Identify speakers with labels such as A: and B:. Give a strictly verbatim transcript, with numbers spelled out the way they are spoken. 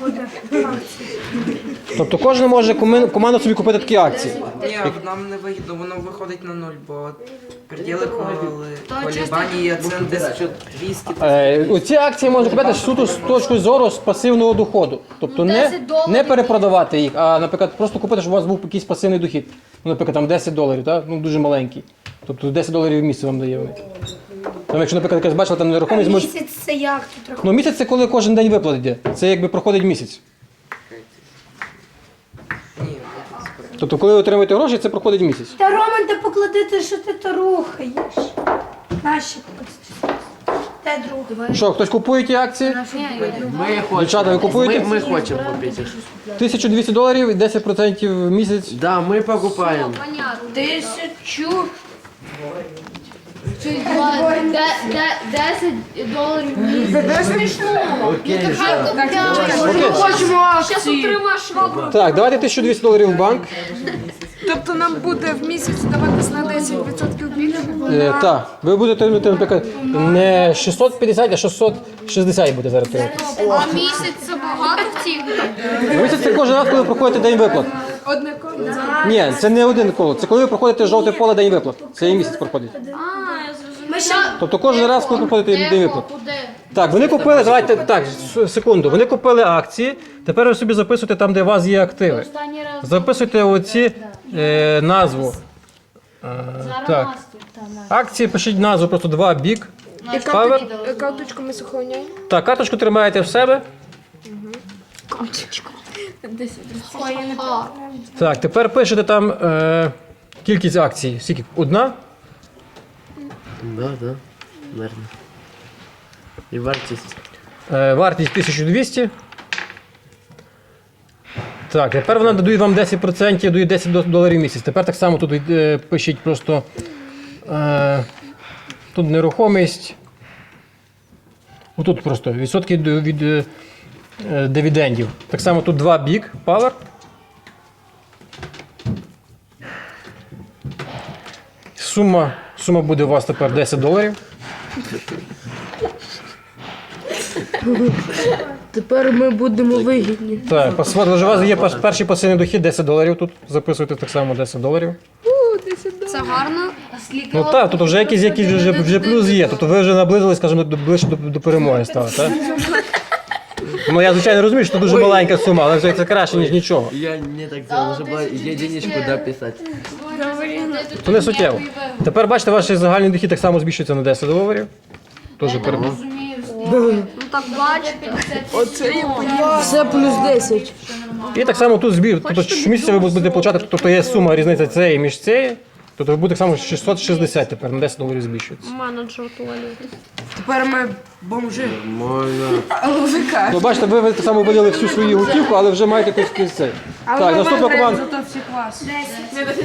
A: буде акції.
B: Тобто кожен може коми- команда собі купити такі акції.
C: Ні, нам не вигідно, воно виходить на нуль, бо приділи коли
A: То
C: колібані є це тисяча двісті.
B: Е, Оці акції можна купити суто з точки зору з пасивного доходу. Тобто
A: Ну,
B: не,
A: десять доларів.
B: не перепродавати їх, а, наприклад, просто купити, щоб у вас був якийсь пасивний дохід. Ну, наприклад, там десять доларів, так? Ну, дуже маленький. Тобто десять доларів в місяць вам дає вони. Там, якщо, наприклад, якась бачила, там нерухомість може...
A: Місяць це як тут рахується?
B: Ну, місяць це коли кожен день виплат йде. Це якби проходить місяць.
C: Ні,
B: Тобто, коли ви отримуєте гроші, це проходить місяць.
A: Та Роман, ти поклади те, що ти то рухаєш. Наші кості. Те друге.
B: Що, хтось купує ті акції?
D: Ми хочемо.
B: Дівчата, ви купуєте?
D: Ми, ми хочемо купити.
B: тисяча двісті доларів і десять відсотків в місяць.
D: Да, ми покупаємо.
A: Тисячу.
E: десять доларів в місяць.
A: Це смішно.
D: Окей,
E: Хай купляємо.
B: Окей.
A: Хочемо
E: Зараз
A: акції.
E: отримаєш швабру.
B: Так, давайте тисяча двісті доларів в банк.
F: Тобто нам буде в місяць даватись на десять відсотків більше?
B: Е, так, ви будете отримати, наприклад, не шістсот п'ятдесят, а шістсот шістдесят буде зараз отримати.
E: А місяць це багато в цій грі?
B: Місяць це кожен раз, коли ви проходите день виплат.
F: Одне коло.
B: Ні, це не один коло. Це коли ви проходите жовте поле день виплат. Це і місяць проходить.
E: А, я зрозуміла.
A: Ми ще
B: Тобто кожен раз, коли проходите день виплат.
E: Куди?
B: Так, вони купили, давайте, так, с- секунду, вони купили акції, тепер ви собі записуєте там, де у вас є активи.
E: Останній раз.
B: Записуйте оці е, назву. Е, так. Акції пишіть назву, просто два бік. Павер.
F: Карточку ми сохраняємо.
B: Так, карточку тримаєте в себе.
E: А,
B: Так, тепер пишете там е, кількість акцій. Скільки? Одна?
D: Да, да, наверно. І вартість.
B: Е, вартість тисяча двісті. Так, тепер вона додає вам десять відсотків, дає десять до- доларів в місяць. Тепер так само тут е, пишіть просто е, тут нерухомість. Отут просто відсотки до- від е, е, дивідендів. Так само тут два бік, Power. Сума, сума буде у вас тепер десять доларів.
F: Тепер ми будемо вигідні.
B: Так, пас- у вас є пас- перший пасивний дохід десять доларів тут. Записуйте так само десять доларів.
E: це гарно.
B: Ну так, тут вже якийсь, якийсь вже, вже плюс є. Тобто ви вже наблизились, скажімо, до, ближче до, до перемоги стали, так? Ну я звичайно розумію, що це дуже маленька сума, але це це краще, ніж нічого.
D: Я не так це, лише було є денежку дописати.
B: Це не суттєво. Тепер бачите, ваш загальний дохід так само збільшується на десять доларів. Тоже перемога.
E: Ну так бачите.
F: Все плюс десять.
B: І так само тут збір. Тобто щомісяця ви будете получати, тобто є сума різниця цієї між цією. Тобто ви будете так само шістсот шістдесят тепер на десять доларів збільшується.
E: Менеджер туалету.
F: Тепер ми бомжи.
D: Можна.
F: Ловика.
B: Ну бачите, ви, ви так само виділи всю свою готівку, але вже маєте якусь цей. Так, наступна команда.
F: Зато всі клас.